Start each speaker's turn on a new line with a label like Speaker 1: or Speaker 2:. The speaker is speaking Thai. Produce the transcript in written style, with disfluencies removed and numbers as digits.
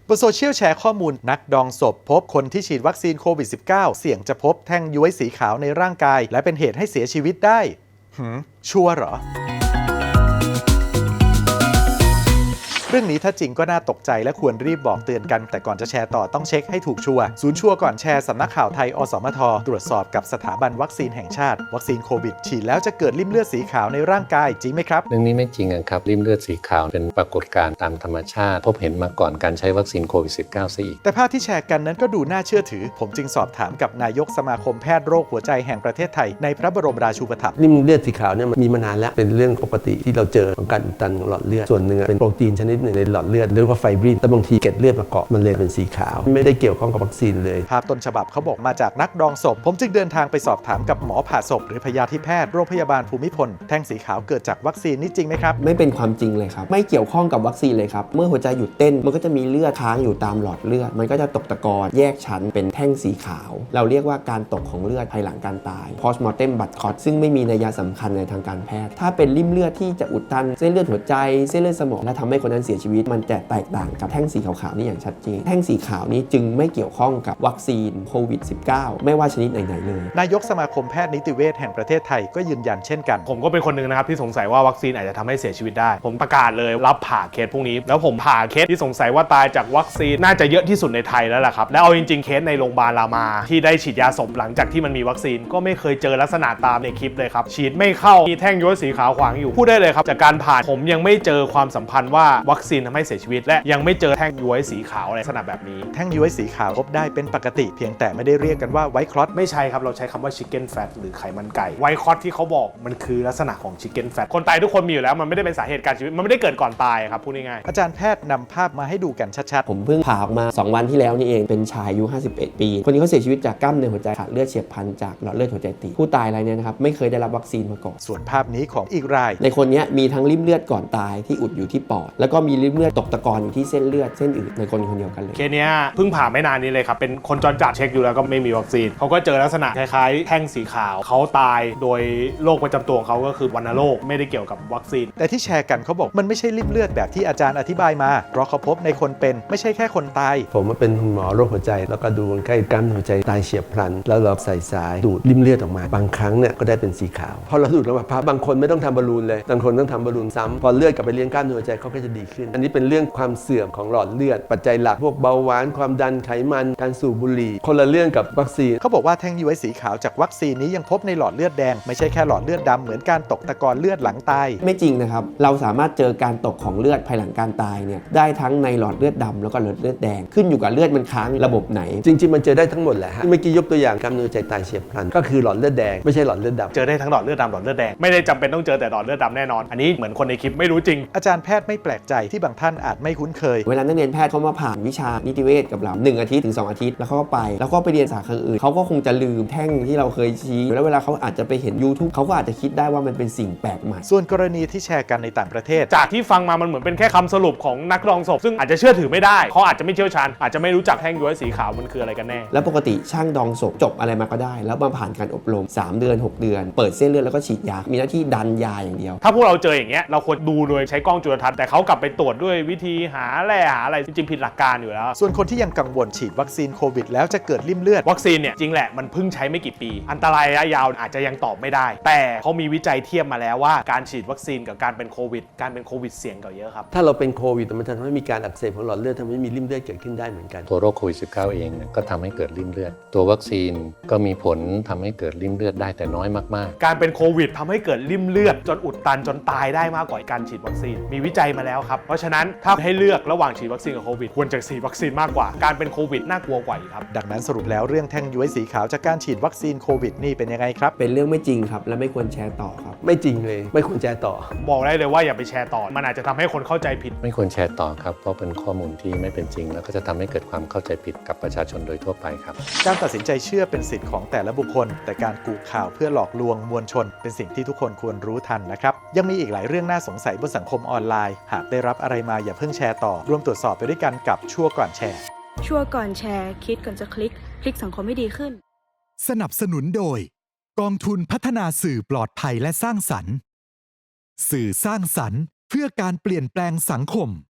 Speaker 1: บนโซเชียลแชร์ข้อมูลนักดองศพพบคนที่ฉีดวัคซีนโควิด -19 เสี่ยงจะพบแท่งย้วยสีขาวในร่างกายและเป็นเหตุให้เสียชีวิตได้ชัวร์เหรอเรื่องนี้ถ้าจริงก็น่าตกใจและควรรีบบอกเตือนกันแต่ก่อนจะแชร์ต่อต้องเช็คให้ถูกชัวร์ศูนย์ชัวร์ก่อนแชร์สำนักข่าวไทยอสมทตรวจสอบกับสถาบันวัคซีนแห่งชาติวัคซีนโควิดฉีดแล้วจะเกิดริ่มเลือดสีขาวในร่างกายจริงไหมครับ
Speaker 2: เรื่องนี้ไม่จริงครับริ่มเลือดสีขาวเป็นปรากฏการณ์ตามธรรมชาติพบเห็นมาก่อนการใช้วัคซีนโควิด -19 ซะอีก
Speaker 1: แต่ภาพที่แชร์กันนั้นก็ดูน่าเชื่อถือผมจึงสอบถามกับนายกสมาคมแพทย์โรคหัวใจแห่งประเทศไทยในพระบรมราชูปถัมภ์
Speaker 3: ริ่มเลือดสีขาวเนี่ยมันมีมานานแล้วเป็นเรื่องปกติที่เราเจอของการอุดตันของหลอดเลือดส่วนหนึ่งเป็นโปรตีนชนิดหนึ่งในหลอดเลือดเรียกว่าไฟบรินแต่บางทีเกล็ดเลือดมาเกาะมันเลยเป็นสีขาวไม่ได้เกี่ยวข้องกับวัคซีนเลย
Speaker 1: ภาพต้นฉบับเขาบอกมาจากนักดองศพผมจึงเดินทางไปสอบถามกับหมอผ่าศพหรือพยาธิแพทย์โรงพยาบาลภูมิพลแท่งสีขาวเกิดจากวัคซีนนี่จริงไหมครับ
Speaker 4: ไม่เป็นความจริงเลยครับไม่เกี่ยวข้องกับวัคซีนเลยครับเมื่อหัวใจหยุดเต้นมันก็จะมีเลือดค้างอยู่ตามหลอดเลือดมันก็จะตกตะกอนแยกชั้นเป็นแท่งสีขาวเราเรียกว่าการตกของเลือดภายหลังการตาย postmortem blood clot ซึ่งไม่มีนัยสำคัญในทางการแพทย์ถ้าเป็นริ่มเลือดที่จะอุดตันเส้นเลือดหัวใจเส้นเลือดสมองและทำให้คนนั้นเสียชีวิตมันจะแตกต่างกับแท่งสีขาวๆนี่อย่างชัดเจนแท่งสีขาวนี้จึงไม่เกี่ยวข้องกับวัคซีนโควิด -19 ไม่ว่าชนิดไหนๆเลย
Speaker 1: นายกสมาคมแพทย์นิติเวชแห่งประเทศไทยก็ยืนยันเช่นกัน
Speaker 5: ผมก็เป็นคนหนึ่งนะครับที่สงสัยว่าวัคซีนอาจจะทำให้เสียชีวิตได้ผมประกาศเลยรับผ่าเคสพวกนี้แล้วผมผ่าเคสที่สงสัยว่าตายจากวัคซีนน่าจะเยอะที่สุดในไทยแล้วล่ะครับแล้วเอาจริงๆเคสในโรงพยาบาลรามาที่ได้ฉีดยาสมหลังจากที่มันมีวัคซีนก็ไม่เคยเจอลักษณะตามในคลิปเลยครับฉีดไม่เข้ามีแท่งย้วยสีขาวขวางอยู่พูดได้เลยครับจากการผ่าผมยังไม่เจอความสัมพันธ์ว่าวัคซีนทำให้เสียชีวิตและยังไม่เจอแท่งย้วยสีขาวอะไรลักษณะแบบนี้
Speaker 1: แท่งย้วยสีขาวพบได้เป็นปกติเพียงแต่ไม่ได้เรียกกันว่าไวท์คลอต
Speaker 5: ไม่ใช่ครับเราใช้คำว่าชิคเก้นแฟตหรือไขมันไก่ไวท์คลอตที่เขาบอกมันคือลักษณะของชิคเก้นแฟตคนตายทุกคนมีอยู่แล้วมันไม่ได้เป็นสาเหตุการชีวิตมันไม่ได้เกิดก่อนตายครับพูดง่าย
Speaker 1: ๆอาจารย์แพทย์นำภาพมาให้ดูกันชัด
Speaker 4: ๆผมเพิ่งผ่าออกมา2วันที่แล้วนี่เองเป็นชายอายุ51ปีคนนี้เขาเสียชีวิตจากกล้ามเนื้อหัวใจขาดเลือดเฉียบพลันจากหลอดเลือดหัวใจตีบผู้ตายรายนี้นะครับไม่เคยได้รับวัคซีนมาก่อน
Speaker 1: ส่วนภาพนี้ของอีกราย
Speaker 4: ในคนนี้มีทั้งริ่มเลือดก่อนตายที่อุดอยู่ที่ปอดแล้วก็มีริ่มเลือดตกตะกอนอยู่ที่เส้นเลือดเส้นอื่นในคนเดียวกันเลย
Speaker 5: เคสนี้เพิ่งผ่าไม่นานนี้เลยครับเป็นคนจรจัดเช็คอยู่แล้วก็ไม่มีวัคซีนเขาก็เจอลักษณะคล้ายๆแท่งสีขาวเขาตายโดยโรคประจำตัวของเขาก็คือวัณโรคไม่ได้เกี่ยวกับวัคซีน
Speaker 1: แต่ที่แชร์กันเขาบอกมันไม่ใช่ริ่มเลือดแบบที่อาจารย์อธิบายมาเพราะเขาพบในคนเป็นไม่ใช่แค่คนตาย
Speaker 3: ผมเป็นคุณหมอโรคหัวใจแล้วก็ดูคนไข้กล้ามเนื้อหัวใจตายเฉียบพลันแล้วเราใส่สายดูดริ่มเลือดออกมาบางครั้งเนี่ยก็ได้เป็นสีขาวพอเราดูดออกมาพับบางคนไม่ต้องทำบอลลูนเลยบางคนต้องทำบอลลูนซ้ำพอเลือดกลับไปเลี้ยงกล้ามเนื้อหัวใจเขาก็จะดีขึ้นอันนี้เป็นเรื่องความเสื่อมของหลอดเลือดปัจจัยหลักพวกเบาหวานความดันไขมันการสูบบุหรี่คนละเรื่องกับวัคซีน
Speaker 1: เขาบอกว่าแท่งย้วยสีขาวจากวัคซีนนี้ยังพบในหลอดเลือดแดงไม่ใช่แค่หลอดเลือดดำเหมือนการตกตะกอนเลือดหลังตาย
Speaker 4: ไม่จริงนะครับเราสามารถเจอการตกของเลือดภายหลังการตายเนี่ยได้ทั้งในหลอดเลือดดำแล้วก็หลอดเลือดแดงขึ้นอยู่กับเลือดมันค้างระบบไหน
Speaker 3: จริงๆมันเจอได้ทั้งหมดแหละฮะเมื่อกี้ยกตัวอย่างกล้ามเนื้อหัวใจตายเฉียบพลันก็คือหลอดเลือดแดงไม่ใช่หลอดเลือดดำ
Speaker 5: เจอได้ทั้งหลอดเลือดดำหลอดเลือดแดงไม่ได้จำเป็นต้องเจอแต่หลอดเลือดดำแน่นอนอันนี้เหมือนคนในคลิปไม่รู้จริง
Speaker 1: อาจารย์แพทย์ไม่แปลกใจที่บางท่านอาจไม่คุ้นเคย
Speaker 4: เวลานักเรียนแพทย์เขามาผ่านวิชานิติเวชกับเรา1 อาทิตย์ถึง2 อาทิตย์แล้วเขาก็ไปเรียนสาขาอื่นเขาก็คงจะลืมแท่งที่เราเคยชี้แล้วเวลาเขาอาจจะไปเห็น YouTube เขาก็อาจจะคิดได้ว่ามันเป็นสิ่งแปลกใหม่
Speaker 1: ส่วนกรณีที่แชร์กันในต่างประเทศ
Speaker 5: จากที่ฟังมามันเหมือนเป็นแค่คำสรุปของนักดองศพซึ่งอาจจะเชื่อถือไม่ได้เขาอาจจะไม่เชี่ยวชาญอาจจะไม่รู้จักแท่งย้วยสีขาวมันคืออะไรกันแน่
Speaker 4: แล้วปกติช่างดองศพจบอะไรมาก็ได้แล้วมาผ่านการอบรม3 เดือน 6 เดือนเปิดเส้นเลือดแล้วก็ฉีดยามีหน้าที่ดันยาอย่างเดียว
Speaker 5: ถ้าพวกเราเจออย่างเงี้ยเราควรดูโดยใช้กล้องจุลทรรศน์แต่เขากลับไปตรวจด้วยวิธีหาแร่หาอะไรจริงๆผิดหลักการอยู่แล้ว
Speaker 1: ส่วนคนที่ยังกังวลฉีดวัคซีนโควิดแล้วจะเกิดริ่มเลือด
Speaker 5: วัคซีนเนี่ยจริงแหละมันเพิ่งใช้ไม่กี่ปีอันตรายระยะยาวอาจจะยังตอบไม่ได้แต่เขามีวิจัยเทียบมาแล้วว่าการฉีดวัคซีนกับการเป็นโควิดเสี่ยงกว่าเยอะครับ
Speaker 3: ถ้าเราเป็นโควิดมันทำให้มีการอักเสบของหลอดเลือดทำให้มีริ่มเลือดเกิดขึ้นได้เหมือนกัน
Speaker 2: ตัวโรคโควิด -19 เองก็ทำให้เกิดริ่มเลือดตัววัคซีนก็มีผลทำให้เกิดริ่มเลือดได้แต่น้อยมาก
Speaker 5: ๆการเป็นโควิดทำให้เกิดริ่มเลือดจนอุดตันจนตายได้มากกว่าการฉีดวัคซีนมีวิจัยมาแล้วครับเพราะฉะนั้นถ้าให้เลือกระหว่างฉีดวัคซีนกับโควิดควรจะฉีดวัคซีนมากกว่าการเป็นโควิดน่ากลัวกว่าครับ
Speaker 1: ดังนั้นสรุปแล้วเรื่องแท่งย้วยสีขาวจากการฉีดวัคซีนโควิดนี่เป็นยังไงครับ
Speaker 4: เป็นเรื่องไม่จริงครับและไม่ควรแชร์ต่อครับ
Speaker 3: ไม่จริงเลยไม่ควรแชร์ต่อ
Speaker 5: บอกได้เลยว่าอย่าไปแชร์ต่อมันอาจจะทำให้คนเข้าใจผิด
Speaker 2: ไม่ควรแชร์ต่อครับเพราะเป็นข้อมูลที่ไม่เป็นจริงแล้วก็จะทำให้เกิดความเข้าใจผิดกับประชาชนโดยทั่วไปครับ
Speaker 1: การตัดสินใจเชื่อเป็นสิทธิ์ของแต่ละบุคคลแต่การกุข่าวเพื่อหลอกลวงมวลชนเป็นสิ่งที่ทุกคนควรรู้ทันนะครับยังมีอีกหลายเรื่องน่าสงสัยบนสังคมออนไลน์หากได้รับอะไรมาอย่าเพิ่งแชร์ต่อร่วมตรวจสอบไปด้วยกันกับชั่วก่อนแชร์
Speaker 6: ชั่วก่อนแชร์คิดก่อนจะคลิกพลิกสังคมให้ดีขึ้น
Speaker 7: สนับสนุนโดยกองทุนพัฒนาสื่อปลอดภัยและสร้างสรรค์สื่อสร้างสรรค์เพื่อการเปลี่ยนแปลงสังคม